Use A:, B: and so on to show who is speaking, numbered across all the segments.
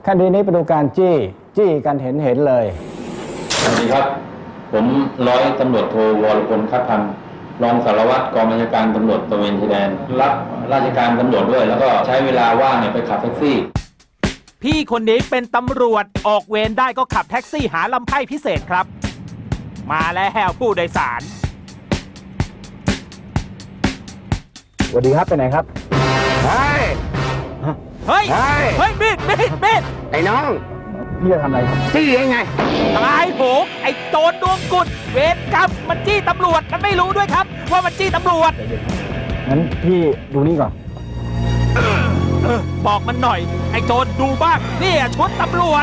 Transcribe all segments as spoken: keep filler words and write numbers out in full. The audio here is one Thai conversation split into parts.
A: คดีนี้ไปดูการจี้จี้กันเห็นเห็นเลย
B: สวัสดีครับผมร้อยตำรวจโทวรพลคัดพันธ์รองสารวัตรกองบัญชาการตำรวจตระเวนชายแดนรับราชการตำรวจด้วยแล้วก็ใช้เวลาว่างเนี่ยไปขับแท็กซี่
C: พี่คนนี้เป็นตำรวจออกเวรได้ก็ขับแท็กซี่หาลำไพ่พิเศษครับมาแล้วผู้โดยสาร
A: สวัสดีครับไปไหนครับ
D: เฮ้ย
C: เฮ้ยเฮ้ยมีดมีดมีด
D: ไอ้น้อง
A: พี่จะทำอะไรครับ
D: จี้ยังไง
C: ตายโหงไอ้โจรดวงกุดเวรกรรมมันจี้ตำรวจมันไม่รู้ด้วยครับว่ามันจี้ตำรวจ
A: งั้นพี่ดูนี่ก่อน
C: เออบอกมันหน่อยไอ้โจรดูบ้างนี่ชุดตำรวจ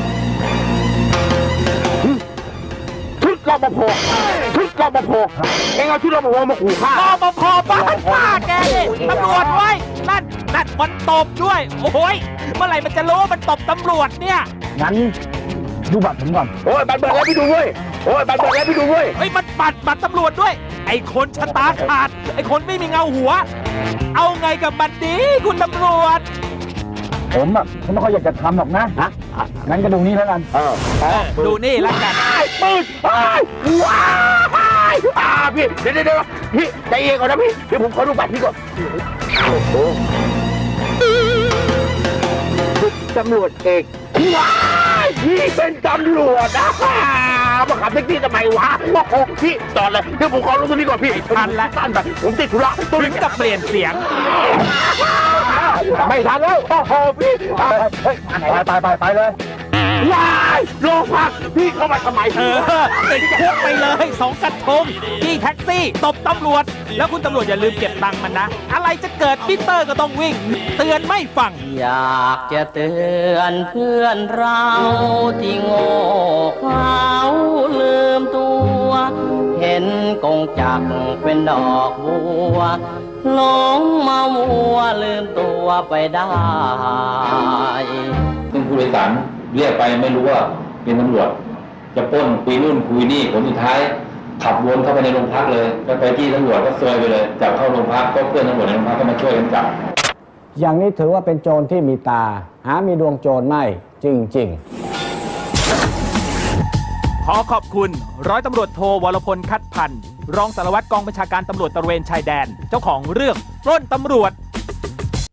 D: ชุดรปภชุดรปภเองเอาชุดรปภมาขู่ฆ่าร
C: ปภบ้านป้าแกนี่ตำรวจไว้นั่นนั่นมันตบด้วยโอ้ยเมื่อไหร่มันจะรู้ว่ามันตบตำรวจเนี่ย
A: งั้นดูบัตรผมก่อน
D: โอ้ยบัตรเบิกแล้วพี่ดูเว้ยโอ้ยบัตรเบิกแล้วพี่ดูเว้ย
C: เฮ้ยมันบัตรบัตรตำรวจด้วยไอ้คนชะตาขาดไอ้คนไม่มีเงาหัวเอาไงกับมันดีคุณตำรวจ
A: ผมอ่ะผมไม่ค่อยอยากจะทำหรอกนะฮะงั้นก็ดูนี่แล้วกัน
D: เออ
C: ดูนี่แล้วกัน
D: ปืนว้ายอ่าพี่เดี๋ยวเดี๋ยวพี่ใจเย็นก่อนนะพี่เดี๋ยวผมขอดูบัตรพี่ก่อนโอ้โหตำรวจเอกว้ายพี่เป็นตำรวจนะมาขับแท็กซี่ทำไมวะโอ้โหพี่จอดเลยเดี๋ยวผมขอลงตรงนี้ก่อนพี่
C: ทันแล้ว
D: ทันไปผมติดธุระ
C: ตัวนี้จะเปลี่ยนเสียง
D: ไม่ทันแล้วโอ้โหพี่
A: ไปไปไปไปเลย
D: ว้ายโลพักพี่เข้ามาทำไม
C: เออติดคุกไปเลยสองกระทงจี้แท็กซี่ตบตำรวจแล้วคุณตำรวจอย่าลืมเก็บตังค์มันนะอะไรจะเกิดมิเตอร์ก็ต้องวิ่งเตือนไม่ฟัง
E: อยากจะเตือนเพื่อนเราที่โง่เขลาลืมตัวเห็นกงจักรเป็นดอกบัวหลงมามัวลืมตัวไปได้
B: ซึ่งผู้โดยสารเรียกไปไม่รู้ว่าเป็นตำรวจจะปล้นคุยนู่นคุยนี่ผลสุดท้ายขับวนเข้าไปในโรงพักเลยก็ไปที่ตำรวจก็ซวยไปเลยจับเข้าโรงพักก็เพื่อนตำรวจในโรงพักก็มาช่วยกันจับ
A: อย่างนี้ถือว่าเป็นโจรที่มีตาหามีดวงโจรไม่จริง
C: ๆขอขอบคุณร้อยตำรวจโทวรพลคัดพันธ์รองสารวัตรกองบัญชาการตำรวจตระเวนชายแดนเจ้าของเรื่องปล้นตำรวจ